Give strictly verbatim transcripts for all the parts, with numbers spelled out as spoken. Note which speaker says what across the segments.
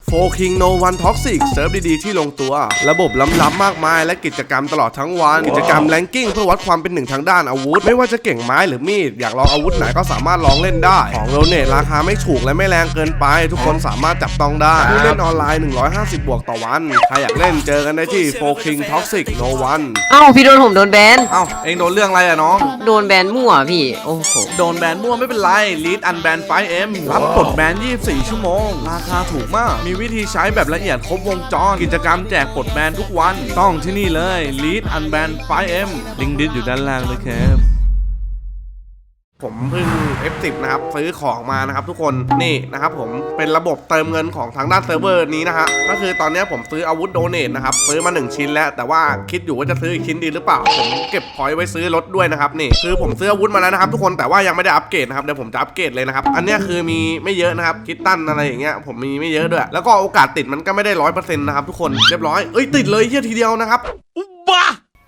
Speaker 1: โฟร์ คิง โน วัน Toxic เซิร์ฟดีๆที่ลงตัวระบบล้ำๆมากมายและกิจกรรมตลอดทั้งวันกิจกรรมแรงกิ้งเพื่อวัดความเป็นหนึ่งทางด้านอาวุธไม่ว่าจะเก่งไม้หรือมีดอยากลองอาวุธไหนก็สามารถลองเล่นได้ของโดเนทราคาไม่ถูกและไม่แรงเกินไปทุกคนสามารถจับต้องได้ผู้เล่นออนไลน์หนึ่งร้อยห้าสิบบวกต่อวันใครอยากเล่นเจอกันได้ที่ โฟร์ คิง Toxic โน วัน
Speaker 2: เอ้าพี่โดนผมโดนแบน
Speaker 1: เอ้าเองโดนเรื่องอะไรอะน้อง
Speaker 2: โดนแบนมั่วพี่โอ้โห
Speaker 1: โดนแบนมั่วไม่เป็นไรลีดอันแบน ไฟว์ เอ็ม รับกดแบนยี่สิบสี่ชั่วโมงราคาถูกมากมีวิธีใช้แบบละเอียดครบวงจรกิจกรรมแจกกดแบนทุกวันต้องที่นี่เลยลีดอันแบน ไฟว์ เอ็ม ลิงก์ดิสอยู่ด้านล่างเลยครับผมเพิ่ง เอฟ สิบ นะครับซื้อของมานะครับทุกคนนี่นะครับผมเป็นระบบเติมเงินของทางด้านเซิร์ฟเวอร์นี้นะฮะก็คือตอนนี้ผมซื้ออาวุธโดเนทนะครับซื้อมาหนึ่งชิ้นแล้วแต่ว่าคิดอยู่ว่าจะซื้ออีกชิ้นดีหรือเปล่าผมเก็บพอยต์ไว้ซื้อรถด้วยนะครับนี่คือผมซื้ออาวุธมาแล้วนะครับทุกคนแต่ว่ายังไม่ได้อัปเกรดนะครับเดี๋ยวผมจะอัปเกรดเลยนะครับอันนี้คือมีไม่เยอะนะครับคิดตั้นอะไรอย่างเงี้ยผมมีไม่เยอะด้วยแล้วก็โอกาสติดมันก็ไม่ได้ร้อยเปอร์เซ็นต์นะครับทุกคนเรียบร้อยเอ้ยติดเลยเฮียทีเดียวนะครับบ้า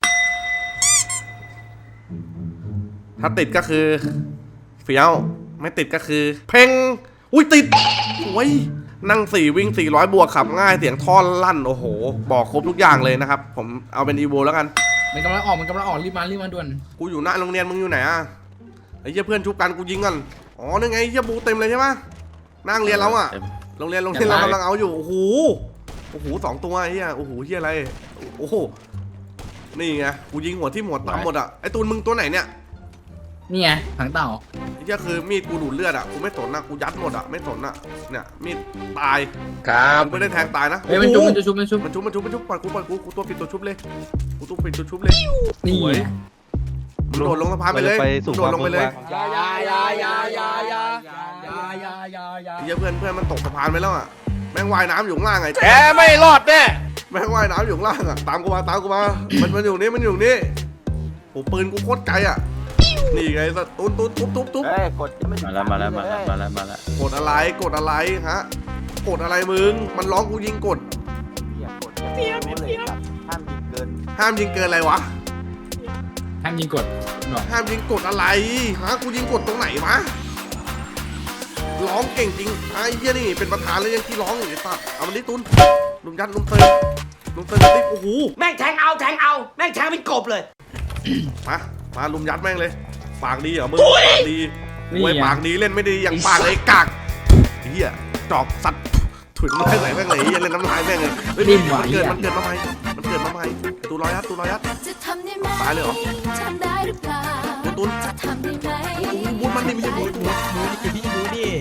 Speaker 1: ถ้าติดก็คือเฟี้ยวไม่ติดก็คือเพ่งอุ้ยติดโอ้ยนั่งสี่วิ่งสี่ร้อยบวกขับง่ายเสียงท่อนลั่นโอ้โหบอกครบทุกอย่างเลยนะครับผมเอาเป็นอีโวแล้วกัน
Speaker 3: มันกำลังออกมันกำลังออกรีบมารีบมาด่วน
Speaker 1: กูอยู่หน้าโรงเรียนมึงอยู่ไหนอ่ะไอ้เหี้ยเพื่อนชุบกันกูยิงกันอ๋อนี่ไงเหี้ยบูเต็มเลยใช่ไหมนั่งเรียนเราอ่ะโรงเรียนโรงเรียนเรากำลังเอาอยู่โอ้โหโอ้โหสองตัวไอ้เหี้ยโอ้โหเหี้ยอะไรโอ้โหนี่ไงกูยิงหัวที่หัวตามหมดอ่ะไอ้ตูนมึงตัวไหนเนี่ย
Speaker 3: นี่ไงถังเต่า
Speaker 1: ไอ้เหี้ยคือมีดกูดูดเลือดอ่ะกูไม่สนนะกูยัดหมดอ่ะไม่สนอ่ะเนี่ยมีดตาย
Speaker 4: ครับ
Speaker 1: ไม่ได้แทงตายนะ
Speaker 3: เฮ้ยมันชุบมันจะชุบมันชุบ
Speaker 1: มันชุบมันชุบมันชุบปล่อยกูปล่อยกูกูตัวปิดตัวชุบเลยกูตัวปิดตัวชุบเลย
Speaker 3: นี่
Speaker 1: มึงโดดลงสะพานไปเลยโดดลงไปเลย
Speaker 4: ยายายายายายายายายายา
Speaker 1: เหี้ยเพื่อนเพื่อนมันตกสะพานไปแล้วอ่ะแม่งว่ายน้ำอยู่ข้างล่างไง
Speaker 4: แกไม่รอดแน่
Speaker 1: แม่งว่ายน้ำอยู่ข้างล่างอ่ะตามกูมาตามกูมามันมันอยู่นี่มันอยู่นี่โอ้ปืนกูโคตรไกลอ่ะนี่ไงสัตว์ตุ๊บตุ๊บตุ๊บตุ๊บตุ๊บ
Speaker 4: มาแล้วมาแล้วมาแล้วมาแล้วมาแล้ว
Speaker 1: กดอะไรกดอะไรฮะกดอะไรมึงมันร้องกูยิงกด
Speaker 4: เตี้ยเตี้ยห้ามยิงเกิน
Speaker 1: ห้ามยิงเกินอะไรวะ
Speaker 3: ห้ามยิงกด
Speaker 1: ห้ามยิงกดอะไรฮะกูยิงกดตรงไหนวะร้องเก่งจริงไอ้เหี้ยนี่เป็นประธานเลยยังที่ร้องอยู่ไอ้สัตว์เอามันดิตุนลุงยัดลุงเตยลุงเตยดิโอ้โห
Speaker 4: แม่งแทงเอาแทงเอาแม่งแทงเป็นกบเลย
Speaker 1: มามาลุมยัดแม่งเลยปากดีเหรอมึงปากดีมวยปากดีเล่นไม่ดีอย่างปากเลยกากเหี้ยจอกสัตว์ถุยไม่ไหลแม่งเลยเล่นน้ำลายแม่งเลยเฮ้ยมันเกิดมันเกิดมาใหม่มันเกิดมาใหม่ตูร้อยยัดตูร้อยยัดตายเลยเหรอตูนโอ้โหบูนมันนี่ไม่ใช่บูนบูนบูนคือพี่บูนนี่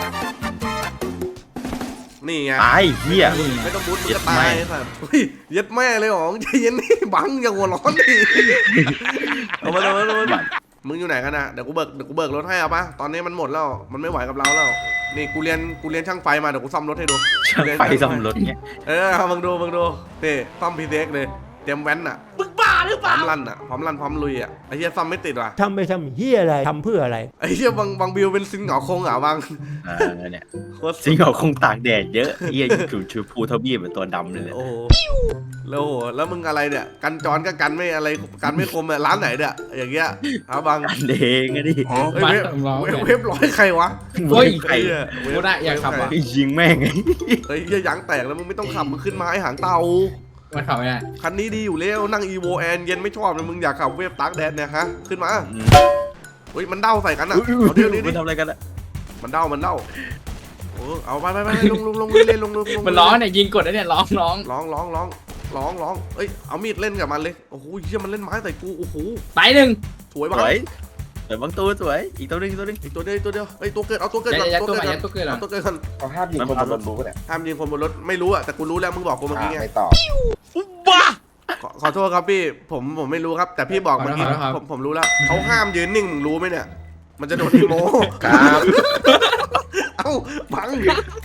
Speaker 1: นี่ไง
Speaker 4: ตายเหี้ย
Speaker 1: ไม่ต้องบูนมึงจะตายสัตว์เฮ้ยยัดแม่เลยหรอใจเย็นนี่บังอย่าหัวร้อนดิเอามาเอามาเอามามึงอยู่ไหนกันนะเดี๋ยวกูเบิกเดี๋ยวกูเบิกรถให้เอาปะตอนนี้มันหมดแล้วมันไม่ไหวกับเราแล้วนี่กูเรียนกูเรียนช่างไฟมาเดี๋ยวกูซ่อมรถให้ดู
Speaker 4: ช่างไฟซ่อมรถเงี้ย
Speaker 1: เออมึงดูมึงดูนี่ซ่อมพีเซ็กเลยเตรียมแว้นอ่ะ
Speaker 4: มึงบ้าหรือเปล่า
Speaker 1: พร้อมลั่นอ่ะพร้อมลั่นพร้อมลุยอ่ะไอ้เหี้ยซ่อมไม่ติดว่ะ
Speaker 5: ทำไปทำเหี้ยอะไรทำเพื่ออะไร
Speaker 1: ไอ้เหี้ยบางบางบิวเป็นซิงเหงาคงเหงาบาง
Speaker 4: อ่าเนี่ยซิงเหงาคงตากแดดเยอะเหี้ยชูชูพูทบี้เป็นตัวดำเลย
Speaker 1: โอ้แล้วโหแล้วมึงอะไรเนี่ยกันจรก็กันไม่อะไรกันไม่คมอ่ะร้านไหนเนี่ยอย่างเงี้ยเอาบาง
Speaker 4: เด้งอะดิ
Speaker 1: เว็บเว็บร้อยใครวะ
Speaker 3: เฮ้ย
Speaker 4: ใคร
Speaker 3: กูได้อยากขับอ่ะ
Speaker 4: ยิงแม่งไง
Speaker 1: เฮ้ยยางแตกแล้วมึงไม่ต้องขับมึงขึ้นมาให้หางเตา
Speaker 3: มันขับไม่ได้
Speaker 1: คันนี้ดีอยู่แล้วนั่งอีโวแอนเย็นไม่ชอบเลยมึงอยากขับเวฟตาร์กแดนเนี่ยฮะขึ้นมาเฮ้ยมันเด้าใส่กันอ่ะเอาเดี๋ยวนี้ดิ
Speaker 4: มันทำอะไรกันอ่ะ
Speaker 1: มันเด้ามันเด้าโอ้เอาไปไปไปลงลงลงเล่นลงลง
Speaker 3: มันร้องเนี่ยยิงกดแล้วเนี่ยร้องร้อง
Speaker 1: ร้องร้องร้องร้องร้องเอ้ยเอามีดเล่นกับมันเลยโอ้โหเชี่ยมันเล่นไม้ใส่กูโอ้โห
Speaker 3: ตายหนึ่ง
Speaker 1: สวยบ้าง
Speaker 4: สวยบางตัวสวยอีกตัวนึงอีกตัวนึง
Speaker 1: อีกตัวเดียวตัวเดียวเอ้ยตัวเกิดเอาตัวเกิดก่อนตัวเกิดก่อนตัวเกิดก่อนตัวเกิดก่อน
Speaker 4: เขาห้ามยิงคนบนรถรู้เนี่ย
Speaker 1: ห้ามยิงคนบนรถไม่รู้อะแต่กูรู้แล้วมึงบอกกูเมื่อกี้ไง
Speaker 4: ไม่ตอบ
Speaker 1: บ้าขอโทษครับพี่ผมผมไม่รู้ครับแต่พี่บอกเมื่อกี้ผมผมรู้แล้วเขาห้ามยืนนิ่งมึงรู้ไหมเนี่ยมันจะโดนอีโม
Speaker 4: ครับ
Speaker 1: เอ้าบัง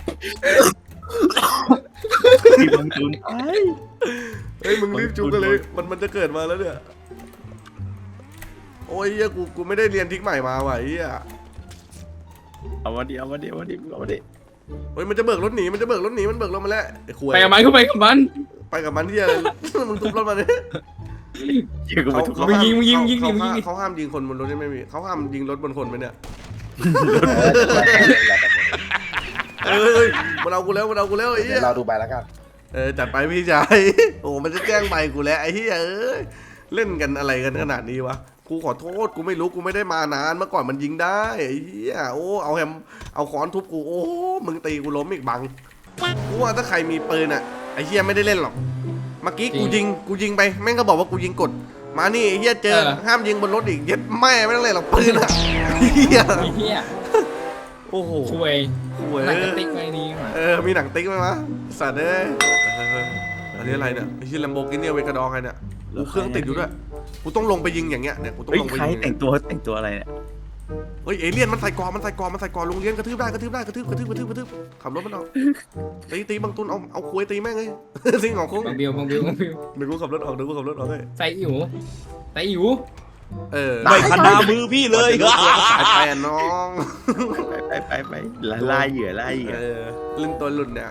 Speaker 4: ทีมตุน
Speaker 1: เฮ้ยมึงรีบจุกกันเลยมันมันจะเกิดมาแล้วเนี่ยโอ้ยเฮียกูกูไม่ได้เรียนทิกใหม่มาว่ะเฮีย
Speaker 4: เอามาดิเอามาดิเอามาดิเอามาดิ
Speaker 1: เฮ้ยมันจะเบิกรถหนีมันจะเบิกรถหนีมันเบิกรถมาแล้วไอ้ขวย
Speaker 3: ไปกับมันก็ไปกับมัน
Speaker 1: ไปกับมันที่อะไรมึงทุบรถมาเนี่ย
Speaker 3: มึงยิงมึงยิงยิงยิงยิง
Speaker 1: เขาห้ามยิงคนบนรถไม่มีเขาห้ามยิงรถบนคนไหมเนี่ยเอ้ยมันเอากูแล้วมันเอากูแล้วไอ้เหี้
Speaker 6: เดี๋
Speaker 1: ย
Speaker 6: ยวเราดูใบแล้วกัน
Speaker 1: เออจัดไปพี่ชายโอ้มันจะแจ้งใบกูแล้วไอ้เหี้ยเอ้ยเล่นกันอะไรกันขนาดนี้วะกูขอโทษกูไม่รู้กูไม่ได้มานานเมื่อก่อนมันยิงได้ไอ้เหี้ยโอ้เอาแฮมเอาค้อนทุบกูโอ้มึงตีกูล้มอีกบังกูว่าถ้าใครมีปืนอ่ะไอ้เหี้ยไม่ได้เล่นหรอกเมื่อกี้กูยิงกูยิงไปแม่งก็บอกว่ากูยิงกดมานี่ไอ้เหี้ยเจอห้ามยิงบนรถอีกเย็ดแม่ไม่ต้องเล่นหรอกปืนอ่ะเหี้ย
Speaker 3: ไอ้เหี้ย
Speaker 1: โอ้โห
Speaker 3: ช่วย
Speaker 1: หวย
Speaker 3: หนังกระติกไว้นี่มา
Speaker 1: เออมีหนังติ๊กไหมวะสัตว์เอ้ยเอออันนี้อะไรเนี่ยไอ้ที่แลมโบกินี่เวกาดองใครเนี่ยกูเครื่องติดอยู่ด้วยกูต้องลงไปยิงอย่างเงี้ยเนี่ยกูต้อง
Speaker 4: เฮ้ย
Speaker 1: ลงไป
Speaker 4: ใคร
Speaker 1: ยิง
Speaker 4: แต่งตัวแต่งตัวอะไรเนี่ย
Speaker 1: เฮ้ยเอเลี่ยนมันใส่กรมันใส่กรมันใส่กรโรงเรียนกระทืบได้กระทืบได้กระทืบกระทืบกระทืบกระทืบขับรถมันออกตีตีบางตุนเอาเอาคุยตีแม่งเลยสิงห์ของคุ้ง
Speaker 3: บังบิวบังบิวบังบิว
Speaker 1: เดี๋ยวกูขับรถออกเดี๋ยวกูขับรถออกเลย
Speaker 3: ใส่อิ๋วใส่อิ๋ว
Speaker 1: เออ
Speaker 4: ไม่ขนามือพี่เลย
Speaker 1: สายแปนน้อง
Speaker 4: ไปไปไปไปล่าเหยื่อล่าเหยื่อ
Speaker 1: เออเล่นตัวหลุดเนี่ย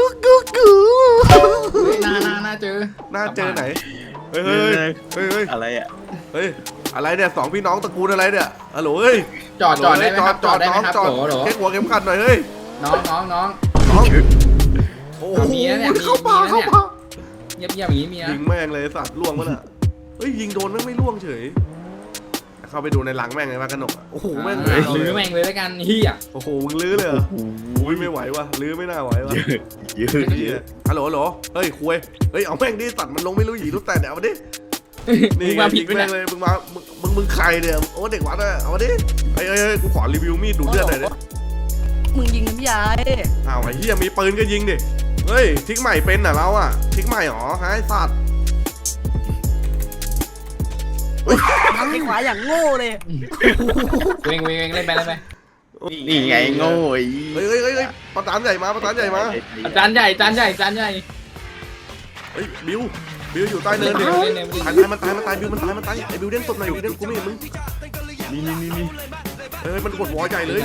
Speaker 3: หน้าหน้าหน้าเจอ
Speaker 1: หน้าเจอไหนเฮ้ยเฮ้ยเฮ้ยเฮ้ย
Speaker 4: อะไรอ่ะ
Speaker 1: เฮ้ยอะไรเนี่ยสองพี่น้องตระกูลอะไรเนี่ยฮัลโหลเฮ้ย
Speaker 3: จอดจอดได้ไหมครับจอดได้ไหมครับ
Speaker 1: จอด
Speaker 3: โหลโหล
Speaker 1: เช็คหัวเข็มขัดหน่อยเฮ้ย
Speaker 3: น้องน้องน้อง
Speaker 1: น้องโอ้โห
Speaker 3: มีนะเนี่ยมี
Speaker 1: เข้าป่า
Speaker 3: มีนะ
Speaker 1: เข้า
Speaker 3: เนี่ย
Speaker 1: ป่า
Speaker 3: เงียบเงียบอย่างนี้มีนะ
Speaker 1: ยิงแม่งเลยสัตว์ล่วงมาน่ะเฮ้ยยิงโดนแม่งไม่ล่วงเฉยเข้าไปดูในหลังแม่งเลยว่ากระหนกอะโอ้โหแม่ง
Speaker 3: อ่าลื้อแม่งเลยแล้วกันเฮีย
Speaker 1: โอ้โหมึงลื้อเลยเหรออุ้ยไม่ไหวว่ะลื้อไม่น่าไหวว่ะ
Speaker 4: เยอะ
Speaker 1: เหี้ยฮัลโหลฮัลโหลเฮ้ยคุยเฮ้ยเอาแม่งดิสัตว์มันลงไม่รู้หยีรู้แต่เดี๋ยวเอามาดิ
Speaker 3: มึ
Speaker 1: นี่
Speaker 3: ง
Speaker 1: ไง
Speaker 3: มาผิ
Speaker 1: ยิ
Speaker 3: ด
Speaker 1: ง
Speaker 3: ไป
Speaker 1: แม่
Speaker 3: เนี่ย
Speaker 1: งเลยมึงมามึงมึงมึงใครเนี่ยโอ้เด็กวัดอะเอามาดิเฮ้ยเฮ้ยเฮ้ยกูขอรีวิวมีดดูดเลือดหน่อยดิ
Speaker 7: มึงยิงน้ำยาย
Speaker 1: อ้าวไอ้เหี้ยมีปืนก็ยิงดิเฮ้ยทิกใหม่เป็นเหรอเราอะทิกใหม่หรอฮะไอ้สัตว์
Speaker 7: ทางที่ขวาอย่างโง่เลย
Speaker 3: เวงเวงเวงเล่นไปเล่นไป
Speaker 4: นี่ไงโง่ไอ้
Speaker 1: เฮ้ยเฮ้ยเฮ้ยเฮ้ยประธานใหญ่มาประธานใหญ่มา
Speaker 3: อาจารย์ใหญ่อาจารย์ใหญ่อาจารย์ใหญ่
Speaker 1: เฮ้ยบิวบิวอยู่ใต้เนินดิ
Speaker 3: เล่นเล่นเล่น
Speaker 1: ตายตายมันตายมันตายบิวมันตายมันตายไอ้บิวเด้งตบหน่อยบิวเด้งกูไม่เห็นมึง
Speaker 4: นี่นี่นี่นี่
Speaker 1: เฮ้ยมันกดวอลใหญ่เลย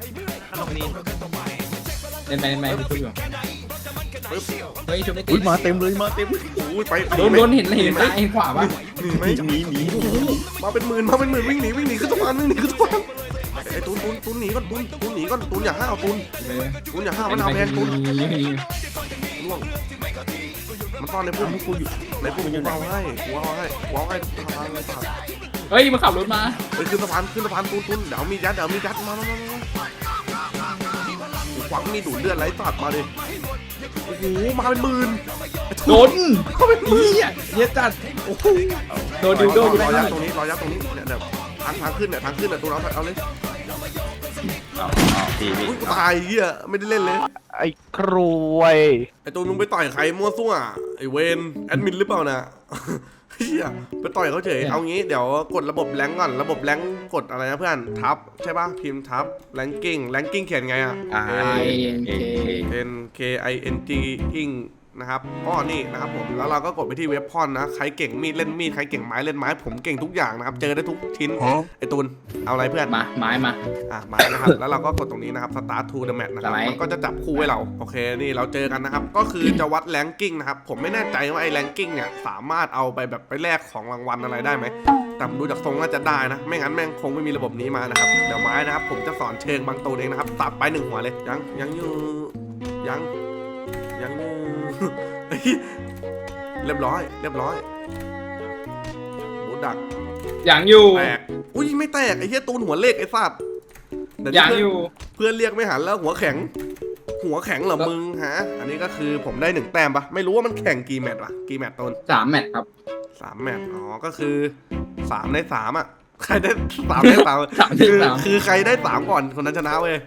Speaker 3: เล่นไปเล่นไปคุยอยู่
Speaker 1: ปึ๊บ
Speaker 3: เฮ้ยชุบไม่ติ
Speaker 4: อุ้
Speaker 3: ด
Speaker 4: ยมาเต็มเลยมาเต็มเลย
Speaker 1: โอ้ยไป
Speaker 3: โดนโดนเห็นเห็นซ้ายเห็นขวาปะ
Speaker 1: หนีไหม
Speaker 4: หนีหนี
Speaker 1: โอ้โหมาเป็นหมื่นมาเป็นหมื่นวิ่งหนีวิ่งหนีขึ้นสะพานวิ่งหนีขึ้นสะพานไอ้ตูนตูนตูนหนีก่อนตูนตูนหนีก่อนตูนอย่าห้าวตูนตูนอย่าห้าวมันเอาแพงตูนล่วงมันซ่อนในพุ่มกูอยู่ในพุ่มกูเอาให้กูเอาให้กูเอาให้ทางเลยสัตว์
Speaker 3: เฮ้ยมาขับรถมา
Speaker 1: เฮ้ยขึ้นสะพานขึ้นสะพานตูนตูนเดี๋ยวมียัดเดี๋ยวมียัดมามามามากูขวางมีดูดเลือดไหลสัตว์มาดิโอ้โหมาเป็นหมื่น
Speaker 3: โดน
Speaker 1: เขาเป็นหมื่น
Speaker 3: เฮียเฮียจัด
Speaker 1: โอ้โห
Speaker 3: โดนดิวโดน
Speaker 1: รอยัดตรงนี้รอยัดตรงนี้เนี่ยเนี่ยทางทางขึ้นเนี่ยทางขึ้นเนี่ยตูนเอาเอาเลย
Speaker 4: เอาเอาพี่พี่
Speaker 1: อุ้ยกูตายเหี้ยไม่ได้เล่นเลย
Speaker 5: ไอ้ครวย
Speaker 1: ไอ้ตูนมึงไปต่อยใครมั่วซั่วไอ้เวนแอดมินหรือเปล่านะเฮียไปต่อยเขาเฉยเอางี้เดี๋ยวกดระบบแรงก่อนระบบแรงกดอะไรนะเพื่อนทับใช่ป่ะพิมพ์ทับแรงกิ้งแรงกิ้งเขียนไงอ่ะ
Speaker 4: อ่า
Speaker 3: เอ
Speaker 1: N K I N G อิงนะครับก็นี่นะครับผมแล้วเราก็กดไปที่เว็บพอนนะใครเก่งมีดเล่นมีดใครเก่งไม้เล่นไม้ผมเก่งทุกอย่างนะครับเจอได้ทุกชิ้นไอ้ตูนเอาอะไรเพื่อน
Speaker 3: มาไม้มา
Speaker 1: อ่ะมานะครับ แล้วเราก็กดตรงนี้นะครับ start to the match นะครับ
Speaker 3: สไลด์
Speaker 1: มันก็จะจับคู่ให้เรา โอเค นี่เราเจอกันนะครับ ก็คือจะวัดแรงกิ้งนะครับ ผมไม่แน่ใจว่าไอ้แรงกิ้งเนี่ยสามารถเอาไปแบบไปแลกของรางวัลอะไรได้ไหม แต่ดูจากทรงน่าจะได้นะ ไม่งั้นแม่งคงไม่มีระบบนี้มานะครับ เดี๋ยวไม้นะครับ ผมจะสอนเชิงบางตัวเองนะครับตัดไปหนึ่งหัวเลย ยัง ยังอยู่ ยัง ยังอยู่ เฮ้ยเรียบร้อย เรียบร้อยบูดัก
Speaker 3: อย่างอยู่
Speaker 1: แตก อุ้ยไม่แตกไอ้เหี้ยตูนหัวเลขไอ้สัตว์เดี๋ว
Speaker 3: อย่าง
Speaker 1: เพื่น
Speaker 3: อยู่
Speaker 1: เพื่อนเรียกไม่หันแล้วหัวแข็ง หัวแข็งเหรอมึงฮะ อันนี้ก็คือผมได้หนึ่งแต้มปะไม่รู้ว่ามันแข่งกี่แมตช์วะกี่แมตช์ต้น
Speaker 3: สามแมตช์ครับ
Speaker 1: สามแมตช์อ๋อก็คือสามในสามอ่ะใครได้สามในสาม
Speaker 3: สามใน
Speaker 1: คือ
Speaker 3: สาม
Speaker 1: คือใครได้สามก่อนคนนั้นชนะเว้ย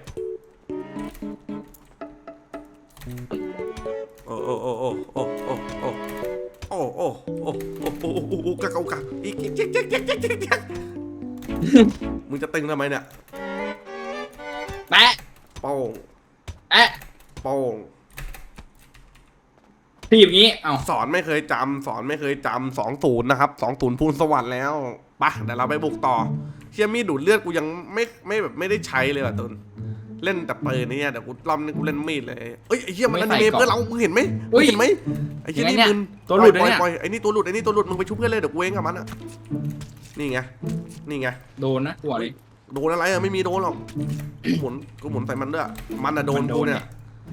Speaker 1: โอ้โอ้โอ้โอ้โอ้โอ้โอ้โอ้โอ้โอ้โอ้โอ้โอ้โอ้กะกะกะอีกอีกเจ๊กเจ๊กเจ๊กเจ๊กเจ๊กมึงจะตึงทำไมเนี่ย
Speaker 3: แปะ
Speaker 1: โป้ง
Speaker 3: แปะ
Speaker 1: โป้ง
Speaker 3: ทีอย่างนี้เอ้า
Speaker 1: สอนไม่เคยจำสอนไม่เคยจำสองศูนย์นะครับสองศูนย์พูนสวรรค์แล้วปะเดี๋ยวเราไปบุกต่อเชี่ยมีดดูดเลือดกูยังไม่ไม่แบบไม่ได้ใช้เลยว่ะตุนเล่นแต่ปืนเนี่ยเดี๋ยวกูรอบนี้กูเล่นมีดเลยเอ้ยไอ้เหี้ยมันอนิเมะเพื่อนเรามึงเห็นไหมมึงเห็นไหมไอ้เหี้ยนี่มึง
Speaker 3: ตัวหลุด
Speaker 1: ปล่อย
Speaker 3: เนี่ย
Speaker 1: ปล่อยไอ้นี่ตัวหลุดไอ้นี่ตัวหลุดมึงไปชุบเพื่อนเลยเดี๋ยวกูเองกับมันอ่ะนี่ไงนี่ไง
Speaker 3: โดนนะหัวเลย
Speaker 1: โดนอะไรอะไม่มีโดนหรอกกูหมุนกูหมุนใส่มันด้วยมันอะโดน
Speaker 3: มันโด
Speaker 1: กู
Speaker 3: น
Speaker 1: เนี่ย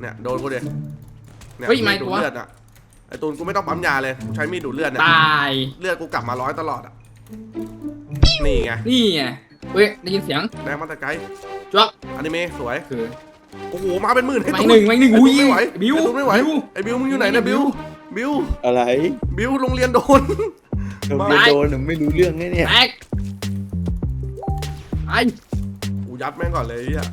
Speaker 1: เนี่ยโดนกูดิเนี่ย
Speaker 3: เฮ้ย
Speaker 1: มี
Speaker 3: ไม่
Speaker 1: ดดู
Speaker 3: กู
Speaker 1: ด
Speaker 3: วะ
Speaker 1: เลือดอ่ะไอ้ตูนกูไม่ต้องปั๊มยาเลยกูใช้มีดดูดเลือดเนี่ย
Speaker 3: ตาย
Speaker 1: เลือดกูกลับมาร้อยตลอดอ่ะนี่ไง
Speaker 3: นี่ไงเฮ้ยได้ยินเสียง
Speaker 1: แดงมาแต่ไกล
Speaker 3: จ๊อก
Speaker 1: อนิเมะสวย
Speaker 3: คือ
Speaker 1: โอ้โหมาเป็นหมื่นไอ้
Speaker 3: ไม่
Speaker 1: ตูน
Speaker 3: หนึ่งไม่หนึ่ง
Speaker 1: ไอ้
Speaker 3: อุ้
Speaker 1: ตู
Speaker 3: ย
Speaker 1: นไม่ไหว
Speaker 3: บิว
Speaker 1: ไอ้ตูนไม่ไหว
Speaker 3: บิว
Speaker 1: ไอ้บิวมึงอยู่ไหนเนี่ยบิวบิว
Speaker 4: อะไร
Speaker 1: บิวโรงเรียนโดน
Speaker 4: โดนโดนไม่รู้เรื่องไงเนี่ย
Speaker 3: แตกไอ้
Speaker 1: กูยัดแม่งก่อนเลยไอ้เฮีย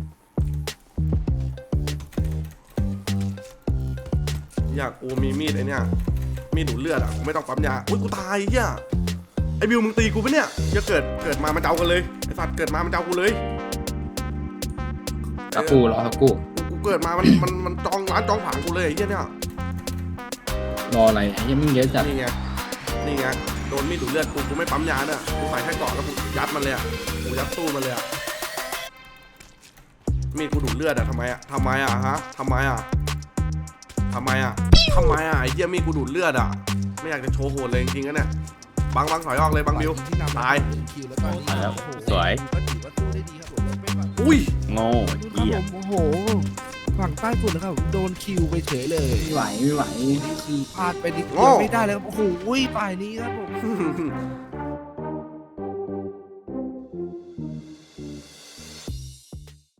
Speaker 1: อยากกูมีมีดไอ้เนี่ยมีดดูดเลือดอ่ะกูไม่ต้องปั๊มยาอุ้ยกูตายไอ้เฮียไอ้บิวมึงตีกูปะเนี่ยจะเกิดเกิดมามันจะเอากันเลยไอ้สัตว์เกิดมามันจะเอากูเลย
Speaker 3: ตะกูเหรอตะกู
Speaker 1: กูเกิดมามันมันมันจองร้านจองผางกูเลยไอ้เฮียเนี่ย
Speaker 3: รออะไรยังไม่เยอะจัด
Speaker 1: นี่ไงนี่ไงโดนมีดดูดเลือดกูกูไม่ปั๊มยาเนี่ยกูใส่แค่เกาะแล้วกูยัดมันเลยอ่ะกูยัดตู้มันเลยอ่ะมีดกูดูดเลือดอ่ะทำไมอ่ะทำไมอ่ะฮะทำไมอ่ะทำไมอ่ะทำไมอ่ะไอ้เหี้ยมีดกูดูดเลือดอ่ะไม่อยากจะโชว์โหดเลยจริงๆนะเนี่ยบังบังถอยออกเลยบังบิวตาย
Speaker 6: คิวแล้วก็
Speaker 4: มาแล้วสวย
Speaker 6: ก็ถือว่าสู้ได้ดีครับผมแล้วเป็นแบบ
Speaker 1: อุ้ย
Speaker 4: โง่
Speaker 6: ครับ
Speaker 4: เหี้ย
Speaker 6: ผมโอ้โหฝั่งใต้ฝุ่นนะครับโดนคิวไปเฉยเลย
Speaker 3: ไม่ไหวไม่ไหว
Speaker 6: นี่คือพลาดไปนิดเดียวไม่ได้เลยครับโอ้โหป่ายนี้ครับผม